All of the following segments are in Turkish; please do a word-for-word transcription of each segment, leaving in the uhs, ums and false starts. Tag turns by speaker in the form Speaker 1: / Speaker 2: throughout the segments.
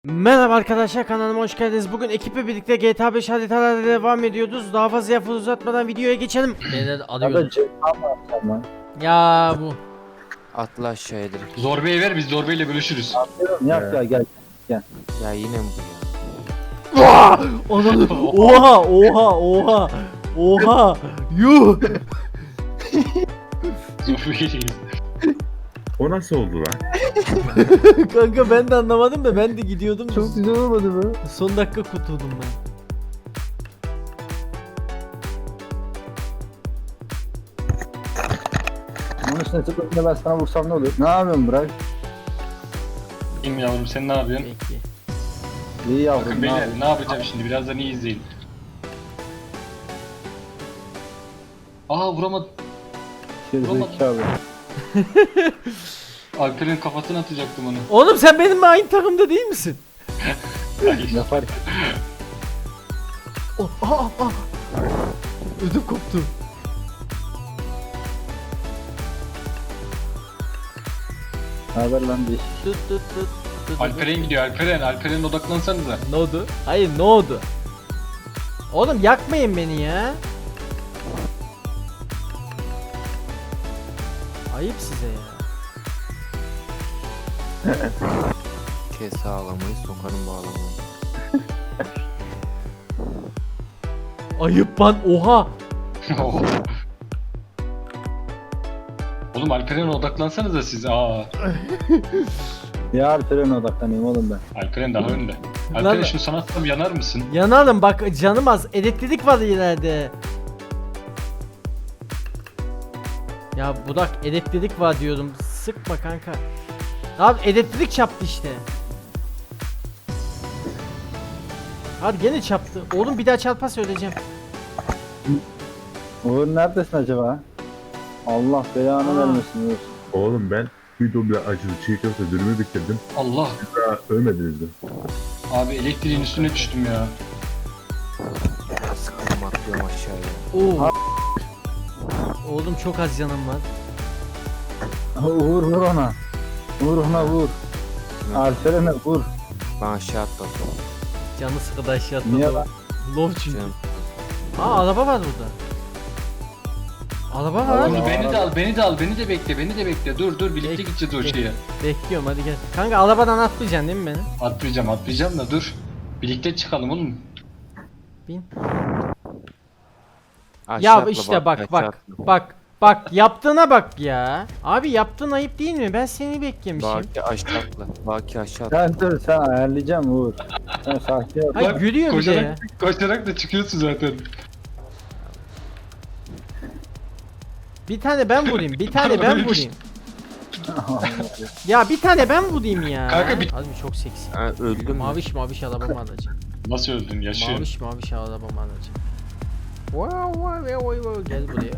Speaker 1: Merhaba arkadaşlar, kanalıma hoş geldiniz. Bugün ekiple birlikte G T A beş haritalarla devam ediyoruz. Daha fazla lafı uzatmadan videoya geçelim. Beyler alıyoruz. Ya bu.
Speaker 2: Atla aşağıya direkt.
Speaker 3: Zorbeyi ver, biz zorbeyle bölüşürüz.
Speaker 4: Yap ya gel.
Speaker 2: Ya yine mi bu ya?
Speaker 1: Oha! Oha! Oha! Oha! Oha! Yuh!
Speaker 3: Zorbeyi.
Speaker 5: O nasıl oldu lan?
Speaker 1: Kanka ben de anlamadım da ben de gidiyordum.
Speaker 4: Çok güzel olmadı mı?
Speaker 1: Son dakika kurtuldum ben.
Speaker 4: Bunun üstüne tıklayınca ben sana vursam ne olur? Ne yapıyorsun Burak?
Speaker 3: İyiyim yavrum, sen ne yapıyorsun?
Speaker 1: Peki.
Speaker 4: İyi yavrum.
Speaker 3: Bakın
Speaker 4: ne
Speaker 3: beyler,
Speaker 4: yapıyorsun?
Speaker 3: ne yapacağım şimdi? Birazdan iyi izleyin. Aa, vuramadım.
Speaker 4: Gerizekalı.
Speaker 3: Alper'in kafasına atacaktım onu.
Speaker 1: Oğlum sen benimle aynı takımda değil misin?
Speaker 3: Hayır.
Speaker 4: Yapar.
Speaker 1: Oh, ah, ah. Ödüm koptu.
Speaker 4: Ne haber lan diş?
Speaker 1: Tut tut tut. tut,
Speaker 3: Alperen gidiyor, Alperen. Alperen odaklansanıza.
Speaker 1: Ne oldu? Hayır ne oldu? Oğlum yakmayın beni ya. Ayıp size ya.
Speaker 2: Kes ağlamayı sokarım bağlamayı.
Speaker 1: Ayıp lan, oha.
Speaker 3: Oğlum Alperen'e odaklansanıza siz. Aa,
Speaker 4: Ya Alperen'e odaklanayım oğlum ben.
Speaker 3: Alperen daha önde.
Speaker 1: Lan-
Speaker 3: Alperen şunu sana atsam yanar mısın?
Speaker 1: Yanalım bak, canım az. Elektrik var ileride. Ya budak, elektrik var diyorum. Sıkma kanka. Abi elektrik çarptı işte. Hadi gene çarptı. Oğlum bir daha çarpa söyleyeceğim.
Speaker 4: Uğur neredesin acaba? Allah belanı
Speaker 1: Aa.
Speaker 4: vermesin Uğur.
Speaker 5: Oğlum ben bir duble acılı çiğ köfte dürümü bitirdim.
Speaker 3: Allah.
Speaker 5: Daha ölmediniz mi?
Speaker 3: Abi elektriğin üstüne düştüm ya.
Speaker 2: Ya sıkarım atlıyorum aşağıya.
Speaker 1: Oo. Oğlum çok az canım var.
Speaker 4: Uğur vur ona. Vur ona vur. Alperen'e vur.
Speaker 2: Ben aşağı atladım.
Speaker 1: Canı sıkıda aşağı
Speaker 4: Niye
Speaker 1: atladı.
Speaker 4: lan?
Speaker 1: Love çünkü.
Speaker 2: Canım.
Speaker 1: Aa, araba var burada. Araba var.
Speaker 3: Dur, beni de al, beni de al, beni de bekle, beni de bekle. Dur dur, birlikte
Speaker 1: Bek-
Speaker 3: gideceğiz o
Speaker 1: bek-
Speaker 3: şeye.
Speaker 1: Bekliyorum, hadi gel. Kanka arabadan atlayacaksın değil mi beni?
Speaker 3: Atlayacağım, atlayacağım da dur. Birlikte çıkalım oğlum.
Speaker 1: Bin.
Speaker 2: Aşağı
Speaker 1: Ya
Speaker 2: atla,
Speaker 1: işte bak
Speaker 2: aşağı
Speaker 1: bak
Speaker 2: atla.
Speaker 1: bak bak yaptığına bak ya. Abi yaptığın ayıp değil mi? Ben seni beklemişim.
Speaker 2: Baki aşağı atla. Baki aşağı atla.
Speaker 4: Sen dur sen ayarlayacağım Uğur. Sen sakin ol.
Speaker 1: Ay
Speaker 3: Bak,
Speaker 1: gülüyor bir de ya.
Speaker 3: koşarak, koşarak da çıkıyorsun zaten.
Speaker 1: Bir tane ben vurayım. Bir tane ben vurayım. Ya bir tane ben vurayım ya.
Speaker 3: Kanka bir-
Speaker 1: Abi çok seksi.
Speaker 2: Ha, öldüm mü?
Speaker 1: Maviş maviş arabamı alacağım.
Speaker 3: Nasıl öldün? Yaşıyorum.
Speaker 1: Maviş maviş arabamı alacağım. Wow wow wow wow, gel buraya.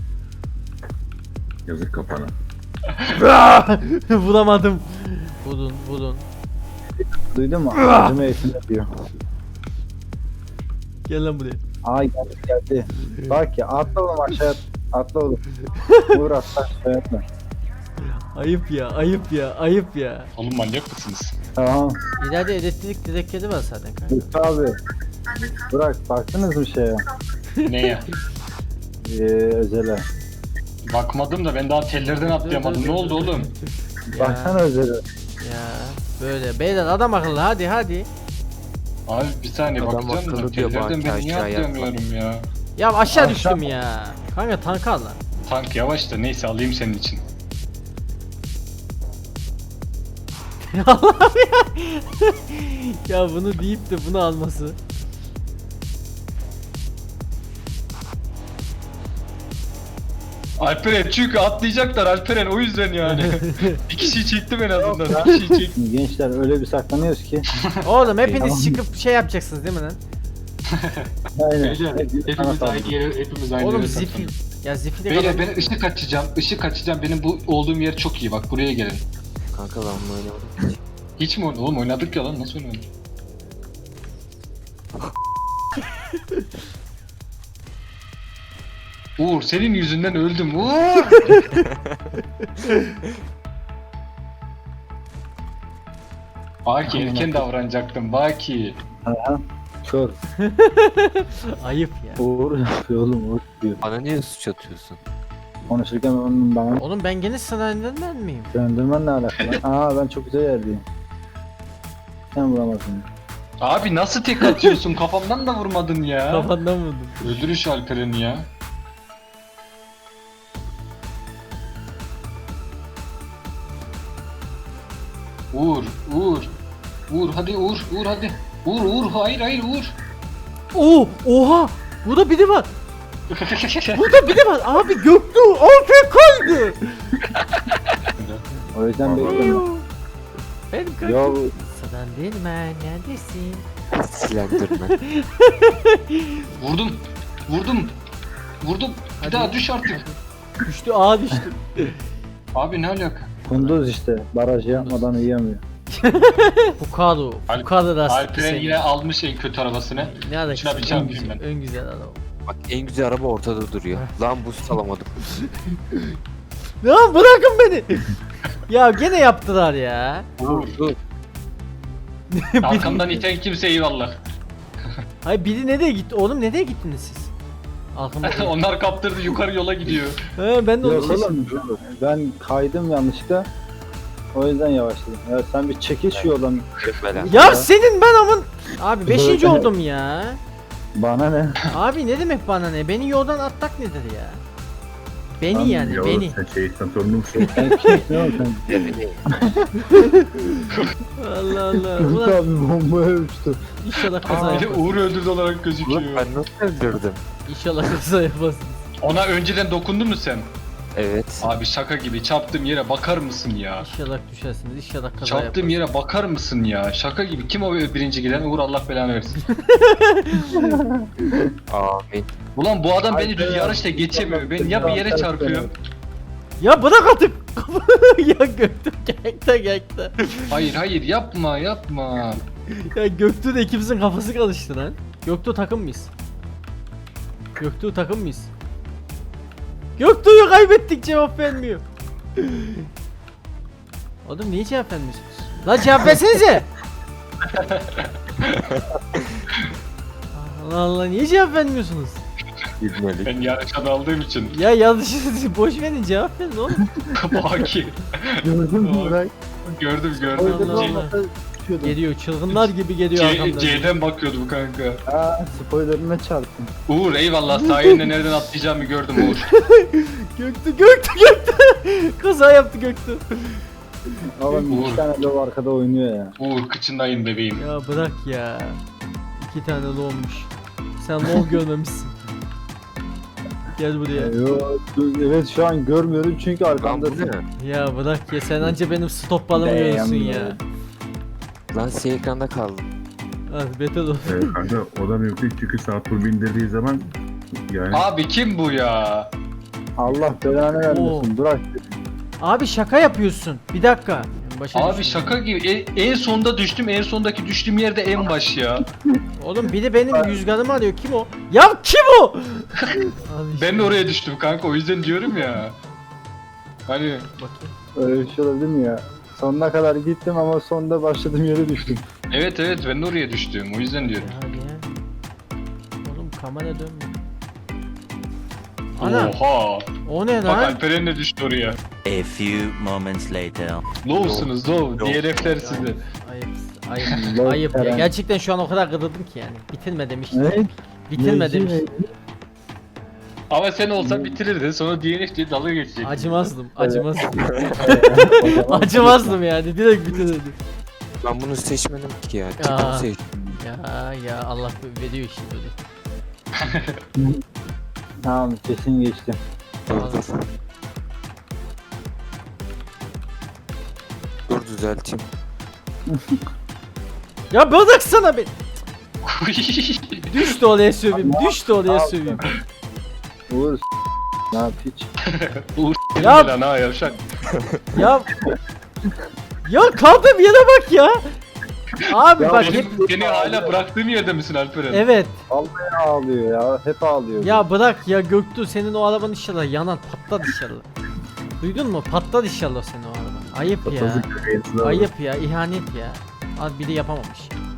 Speaker 5: Yazık kafana.
Speaker 1: Vuramadım. Vurun vurun.
Speaker 4: Duydun mu? Acıma eğitim yapıyor.
Speaker 1: Gel lan buraya.
Speaker 4: Ay geldi geldi. Bak ya atla oğlum aşağıya. Atla oğlum. Uğur atla aşağıya atla.
Speaker 1: Ayıp ya, ayıp ya, ayıp ya.
Speaker 3: Oğlum manyak mısınız?
Speaker 4: Tamam.
Speaker 1: İleride elektrik direkleri var zaten kanka.
Speaker 4: Lütfü abi. Burak baktınız mı şeye?
Speaker 3: Neye?
Speaker 4: Ee, özele.
Speaker 3: Bakmadım da ben daha tellerden atlayamadım. Ne oldu oğlum?
Speaker 1: Ya,
Speaker 4: Baksana özele.
Speaker 1: ya böyle beyler, adam akıllı, hadi hadi.
Speaker 3: Abi bir saniye
Speaker 2: Adam
Speaker 3: bakacağım da
Speaker 2: akıllı diyor,
Speaker 3: tellerden
Speaker 2: bak
Speaker 3: ben niye
Speaker 2: aşağıya
Speaker 3: atlayamıyorum ya?
Speaker 1: Ya aşağı
Speaker 4: Aşağı-
Speaker 1: düştüm ya. Kanka tanka al lan.
Speaker 3: Tank yavaş da neyse alayım senin için.
Speaker 1: Allah'ım ya. Ya bunu deyip de bunu alması.
Speaker 3: Alperen çünkü atlayacaklar Alperen o yüzden yani. Bir kişiyi çektim en azından. Bir kişiyi çektim.
Speaker 4: Şimdi gençler öyle bir saklanıyoruz ki.
Speaker 1: Oğlum hepiniz
Speaker 4: Tamam.
Speaker 1: çıkıp şey yapacaksınız değil mi lan?
Speaker 4: Aynen.
Speaker 3: Beyler hepimiz aynı yere hepimiz aynı
Speaker 1: Oğlum
Speaker 3: yere
Speaker 1: zifil.
Speaker 3: saklanıyoruz.
Speaker 1: Ya zifile
Speaker 3: Beyler
Speaker 1: kadar.
Speaker 3: ben ışık açacağım. Işık açacağım. Benim bu olduğum yer çok iyi. Bak buraya gelin.
Speaker 2: Kanka ben bunu oynamadım.
Speaker 3: Hiç mi oynadık? Oğlum oynadık ya lan. Nasıl oynadık? Uğur senin yüzünden öldüm. Uğur! Baki erken davranacaktım Baki.
Speaker 4: Aha. Kör.
Speaker 1: Ayıp ya.
Speaker 4: Uğur yapıyor oğlum. Uğur yapıyor.
Speaker 2: Bana niye suç atıyorsun?
Speaker 4: Konuşurken onun bana
Speaker 1: Oğlum ben geniş sanayiden ben miyim?
Speaker 4: döndürmen ne alakalı? Aa ben çok güzel yerdeyim. Sen vuramazsın.
Speaker 3: Abi nasıl tek atıyorsun kafamdan da vurmadın ya.
Speaker 1: Kafandan vurdum.
Speaker 3: Öldürün şu Alperen'i ya. Uğur, Uğur. Uğur hadi Uğur, Uğur hadi. Uğur, Uğur hayır hayır Uğur.
Speaker 1: Oo, oha! Burada biri var. Burada biri var. Abi Göktuğ altı kaydı.
Speaker 4: O yüzden bekliyorum.
Speaker 1: Benim
Speaker 4: Ya
Speaker 1: kaydım. Sadan değil mi? Neredesin?
Speaker 2: Silendirme.
Speaker 3: Vurdum, vurdum. Vurdum. Bir
Speaker 1: Hadi.
Speaker 3: daha düş artık.
Speaker 1: Düştü, ağa düştü.
Speaker 3: Abi ne alaka?
Speaker 4: kunduz işte. Baraj yapmadan uyuyamıyor.
Speaker 1: Fukado.
Speaker 3: Al-
Speaker 1: Fukado da
Speaker 3: Alperen yine almış en kötü arabasını.
Speaker 1: Ne alakası?
Speaker 3: Şuna bir
Speaker 1: En
Speaker 3: çarpayım
Speaker 1: güzel,
Speaker 3: ben.
Speaker 1: en güzel adam.
Speaker 2: Bak en güzel araba ortada duruyor. Lan boost alamadım.
Speaker 1: Ya bırakın beni. Ya gene yaptılar ya.
Speaker 2: Dur dur.
Speaker 3: Arkamdan iten kimse eyvallah.
Speaker 1: Hayır biri nereye gitti? Oğlum nereye gittiniz siz? Arkamda.
Speaker 3: Onlar kaptırdı yukarı yola gidiyor.
Speaker 1: He ben de onu
Speaker 4: Yok
Speaker 1: şaşırdım.
Speaker 4: oğlum ben kaydım yanlışlıkla. O yüzden yavaşladım. Ya sen bir çekil şu yoldan.
Speaker 2: Bela.
Speaker 1: Ya senin ben amın. Abi beşinci oldum ya.
Speaker 4: Bana ne?
Speaker 1: Abi ne demek bana ne? Beni yoldan atmak nedir ya? Beni
Speaker 5: Lan
Speaker 1: yani
Speaker 5: yavrum,
Speaker 1: beni.
Speaker 5: Sen şeytan sorunu musun?
Speaker 4: Sen kimsin oğlum sen?
Speaker 1: Allah Allah.
Speaker 4: Ümit
Speaker 1: Ulan
Speaker 4: abi bombaya uçtu.
Speaker 1: inşallah kaza
Speaker 3: Bir de
Speaker 1: yapmaz.
Speaker 3: Uğur öldürdü olarak
Speaker 2: Ulan
Speaker 3: gözüküyor.
Speaker 2: ben nasıl öldürdüm?
Speaker 1: İnşallah kaza yapmaz.
Speaker 3: Ona önceden dokundun mu sen?
Speaker 2: Evet.
Speaker 3: Abi şaka gibi çarptığım yere bakar mısın ya?
Speaker 1: İnşallah düşersiniz. İnşallah kaza
Speaker 3: Çarptığım
Speaker 1: yapmaz.
Speaker 3: yere bakar mısın ya? Şaka gibi. Kim o birinci giden? Uğur Allah belanı versin.
Speaker 2: Amin.
Speaker 3: Ulan bu adam beni
Speaker 4: Haydi
Speaker 3: düz
Speaker 4: ya.
Speaker 3: yarışta geçemiyor. Ben ya bir yere çarpıyorum.
Speaker 1: Ya bırak artık. Ya Göktuğ gekte gekte.
Speaker 3: Hayır hayır yapma yapma.
Speaker 1: Ya Göktuğ da ikimizin kafası karıştı lan. Göktuğ takım mıyız? Göktuğ takım mıyız? Göktuğ'u kaybettik, cevap vermiyor. Oğlum niye cevap vermiyorsunuz? Lan cevap versenize. Allah Allah niye cevap vermiyorsunuz?
Speaker 2: İbnelik.
Speaker 3: Ben yarışan aldığım için.
Speaker 1: Ya yanlışınızı boş verin, cevap verin oğlum.
Speaker 3: Baki.
Speaker 4: Gördün mü Burak?
Speaker 3: Gördüm
Speaker 4: O
Speaker 3: gördüm.
Speaker 4: yüzden
Speaker 1: Allah
Speaker 3: C-
Speaker 1: Allah.
Speaker 4: olmasa uçuyordum.
Speaker 1: Geliyor, çılgınlar gibi geliyor
Speaker 3: C-
Speaker 1: arkamdan.
Speaker 3: C'den bakıyordu bu kanka.
Speaker 4: Aa spoilerine çarptım.
Speaker 3: Uğur eyvallah sayende nereden atlayacağımı gördüm Uğur.
Speaker 1: Göktuğ, Göktuğ, Göktuğ. Kaza yaptı Göktuğ.
Speaker 4: Oğlum
Speaker 3: Uğur.
Speaker 4: iki tane lov arkada oynuyor ya.
Speaker 3: Uğur kıçındayım bebeğim.
Speaker 1: Ya bırak ya. İki tane olmuş. Sen lol görmemişsin. Gel buraya.
Speaker 4: Yo, evet şu an görmüyorum çünkü
Speaker 2: Lan
Speaker 4: arkamda.
Speaker 2: bu ne?
Speaker 1: Ya bırak ya, sen anca benim stop balımı
Speaker 4: Damn
Speaker 1: görüyorsun
Speaker 4: ya.
Speaker 1: ya.
Speaker 2: Lan siyah ekranda kaldım.
Speaker 1: Hadi beter ol.
Speaker 5: Ee, kanka o da mümkün çünkü sağ tur bindirdiği zaman yani
Speaker 3: Abi kim bu ya?
Speaker 4: Allah belanı vermesin. Burak.
Speaker 1: Abi şaka yapıyorsun. Bir dakika. Başa
Speaker 3: Abi
Speaker 1: düştüm.
Speaker 3: şaka gibi. En, en sonda düştüm. En sondaki düştüğüm yerde en baş ya.
Speaker 1: Oğlum biri benim yüzgarımı arıyor. Kim o? Ya kim o? Abi
Speaker 3: Ben
Speaker 1: işte.
Speaker 3: de oraya düştüm kanka. O yüzden diyorum ya. Hani
Speaker 1: Bakayım.
Speaker 4: Öyle bir şey olabilir mi ya? Sonuna kadar gittim ama sonda başladığım yere düştüm.
Speaker 3: evet evet ben de oraya düştüm. O yüzden diyorum.
Speaker 1: Ya hadi ya. Oğlum kamera dönmüyor. Ana
Speaker 3: Oha.
Speaker 1: o ne
Speaker 3: Bak
Speaker 1: lan?
Speaker 3: Alperen de düştü oraya.
Speaker 6: A few moments later.
Speaker 3: Low'sunuz low. D N F'ler sizi.
Speaker 1: Ayıp. Ayıp.
Speaker 4: Lol
Speaker 1: Ayıp ya.
Speaker 4: Eren.
Speaker 1: Gerçekten şu an o kadar kırıldım ki yani. Bitirme demiştim.
Speaker 4: Ne?
Speaker 1: Bitirme
Speaker 4: Neci,
Speaker 1: demiştim.
Speaker 3: Ama sen olsan bitirirdin. Sonra D N F diye dalga geçecektin.
Speaker 1: Acımazdım. Acımazdım.
Speaker 4: O zaman-
Speaker 1: Acımazdım yani. Direkt bitirirdim.
Speaker 2: Ben bunu seçmedim ki ya.
Speaker 1: Ya.
Speaker 2: Tipini seçtim.
Speaker 1: Ya ya Allah veriyor işte böyle.
Speaker 4: Tamam kesin geçtim.
Speaker 2: Dur dur. Dur düzelteyim.
Speaker 1: Ya bıraksana beni. Düştü oraya söveyim. Düştü oraya
Speaker 4: Al.
Speaker 1: söveyim.
Speaker 4: Uğur s- ne yap hiç?
Speaker 3: Uğur
Speaker 1: Ya-
Speaker 3: lan ha yavşak.
Speaker 1: Ya ya kaldığım yere bak ya. Abi
Speaker 4: Ya
Speaker 1: bak
Speaker 3: Benim,
Speaker 1: hep
Speaker 3: seni hala bıraktığım yerde misin Alperen?
Speaker 1: evet.
Speaker 4: Vallahi ağlıyor ya. Hep ağlıyor.
Speaker 1: Ya bırak ya Göktuğ, senin o araban inşallah yanar, patlar inşallah. Duydun mu? Patlar inşallah senin o araban. Ayıp ya.
Speaker 5: Tazı köpeğinizi de alın.
Speaker 1: Ayıp ya, ihanet ya. Az biri yapamamış.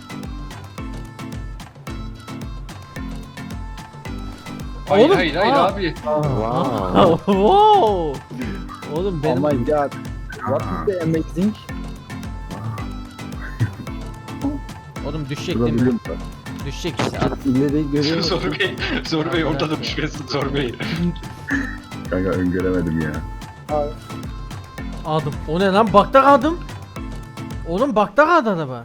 Speaker 3: Hayır
Speaker 1: Oğlum,
Speaker 3: hayır hayır
Speaker 1: aa.
Speaker 3: abi.
Speaker 2: Wow.
Speaker 1: Wow. Oğlum benim
Speaker 4: Oh my god. What is the amazing?
Speaker 1: oğlum düşecek değil mi?
Speaker 5: Durabiliyorum.
Speaker 1: Düşecek işte. At.
Speaker 4: İleri görüyor musun?
Speaker 3: Zor Bey, Zor Bey orada da düşmesin Zor Bey.
Speaker 5: Kanka öngöremedim ya.
Speaker 1: Adım. O ne lan? Bakta adım. Oğlum bakta kaldı araba.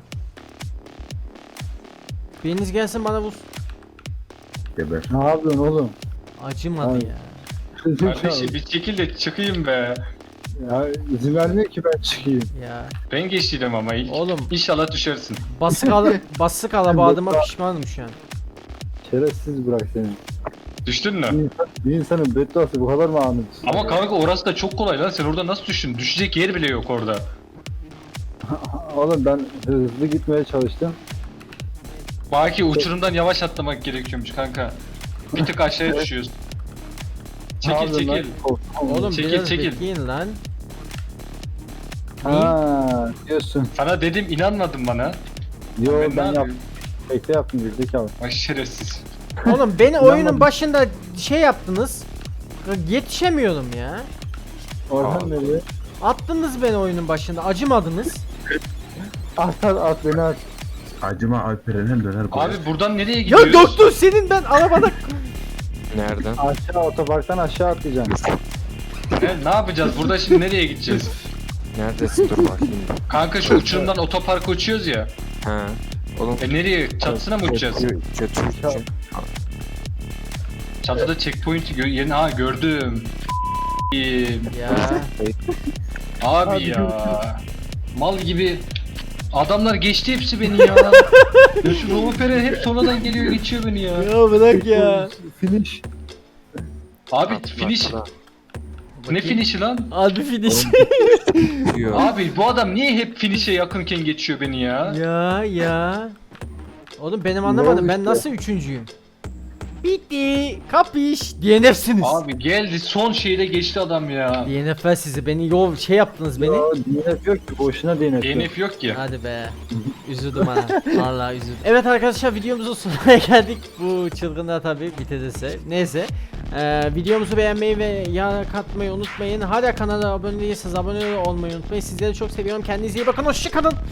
Speaker 1: Biriniz gelsin bana vursun.
Speaker 5: Geber.
Speaker 4: Ne yapıyorsun oğlum?
Speaker 1: Acımadı
Speaker 4: Ay.
Speaker 1: ya.
Speaker 3: Kardeşim bir çekil de çıkayım be.
Speaker 4: Ya izin vermiyor ki ben çıkayım.
Speaker 1: Ya.
Speaker 3: Ben geçtim ama ilk.
Speaker 1: Oğlum
Speaker 3: İnşallah düşersin.
Speaker 1: basık al basık alabadıma pişmanım şu an.
Speaker 4: Şerefsiz bırak seni.
Speaker 3: Düştün mü?
Speaker 4: Bir, insan, bir insanın bedduası bu kadar mı anı?
Speaker 3: Ama kanka orası da çok kolay lan. Sen orada nasıl düştün? Düşecek yer bile yok orada.
Speaker 4: Oğlum ben hızlı gitmeye çalıştım.
Speaker 3: Belki uçurumdan yavaş atlamak gerekiyormuş kanka. Bir tık aşağıya düşüyoruz. Çekil
Speaker 4: Pardon lan,
Speaker 3: çekil.
Speaker 4: korktum.
Speaker 1: Oğlum
Speaker 3: Çekil,
Speaker 1: biraz
Speaker 3: çekil.
Speaker 1: bekleyin lan.
Speaker 4: Ha diyorsun.
Speaker 3: Sana dedim inanmadın bana.
Speaker 4: Yo
Speaker 3: Ben
Speaker 4: ben,
Speaker 3: ne
Speaker 4: yaptım.
Speaker 3: yapayım?
Speaker 4: Bekle yaptım gerizekalı.
Speaker 3: Ay şerefsiz.
Speaker 1: Oğlum beni oyunun
Speaker 4: İnanmadım.
Speaker 1: başında şey yaptınız. Yetişemiyorum ya.
Speaker 4: Orhan
Speaker 2: Aa.
Speaker 4: nereye?
Speaker 1: Attınız beni oyunun başında. Acımadınız.
Speaker 4: At at at beni at.
Speaker 5: Acıma Alperen'e döner koyar.
Speaker 3: Abi buradan nereye
Speaker 1: Ya
Speaker 3: gidiyoruz?
Speaker 1: doktor senin ben arabada.
Speaker 2: Nereden?
Speaker 4: Aşağı otoparktan aşağı atlayacağım.
Speaker 3: Ne, ne yapacağız? Burada şimdi nereye gideceğiz?
Speaker 2: Neredesin dur bakayım.
Speaker 3: Kanka şu uçurumdan otoparka uçuyoruz ya.
Speaker 2: Ha. Oğlum.
Speaker 3: E nereye? Çatısına mı uçacağız?
Speaker 2: Kötü kötü. kötü.
Speaker 3: Çatıda checkpoint'i gö yerini ha gördüm.
Speaker 1: Ya.
Speaker 3: Abi ya. Mal gibi. Adamlar geçti hepsi beni ya. Ya şu Robopere hep sonradan geliyor geçiyor beni ya.
Speaker 1: Ya bırak ya.
Speaker 4: Finish.
Speaker 3: Abi
Speaker 2: Atla,
Speaker 3: finish.
Speaker 2: atla.
Speaker 3: Ne finish'i lan?
Speaker 1: Abi finish.
Speaker 2: Diyor.
Speaker 3: Abi bu adam niye hep finish'e yakınken geçiyor beni ya?
Speaker 1: Ya ya. Oğlum benim anlamadım. Ben
Speaker 4: işte?
Speaker 1: nasıl üçüncüyüm? Bitti. Kapış. D N F'siniz.
Speaker 3: Abi geldi son şeyle geçti adam ya.
Speaker 1: D N F sizi beni yol şey yaptınız beni.
Speaker 4: Yo, D N F yok ki boşuna D N F.
Speaker 3: D N F yok ki.
Speaker 1: Hadi be. Üzüldüm ha. Vallahi üzüldüm. Evet arkadaşlar videomuzun sonuna geldik. Bu çılgınlar tabi bitirse. Neyse. Ee, videomuzu beğenmeyi ve yağ katmayı unutmayın. Hala kanala abone değilseniz abone olmayı unutmayın. Sizleri çok seviyorum. Kendinize iyi bakın. Hoşçakalın.